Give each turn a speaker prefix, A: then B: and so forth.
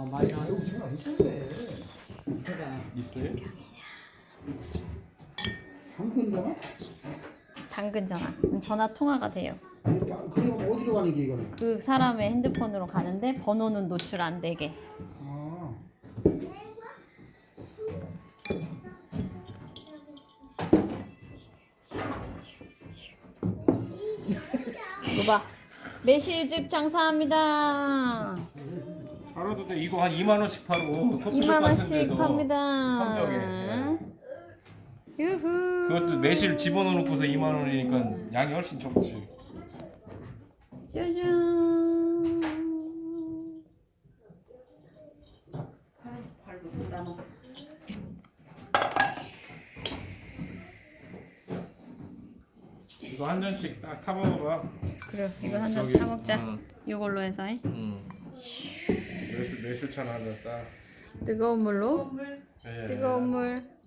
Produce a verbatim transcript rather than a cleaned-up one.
A: 많이 나. 여기 전화 있던데.
B: 제가
C: 있어요?
A: 당근 전화?
D: 당근 전화. 전화 통화가 돼요.
A: 그럼 어디로 가는 게 이거는?
D: 그 사람의 핸드폰으로 가는데 번호는 노출 안 되게.
A: 아.
D: 이거 봐. 매실즙 장사합니다.
C: 팔아도 돼. 이거 한 이만 원씩 팔고 커피숍
D: 이만
C: 같은
D: 원씩
C: 데서
D: 팝니다.
C: 한 병에.
D: 유후.
C: 그것도 매실 집어넣어놓고서 이만 원이니까 양이 훨씬 적지.
D: 짜잔.
B: 발로 나눠.
C: 이거 한 잔씩 딱 타먹어봐.
D: 그래, 이거 한 잔
C: 저기,
D: 타먹자.
C: 응.
D: 이걸로 해서 해.
C: 응. 매실 매실찬 한 잔 딱.
D: 뜨거운 물로.
C: 예.
D: 뜨거운 물.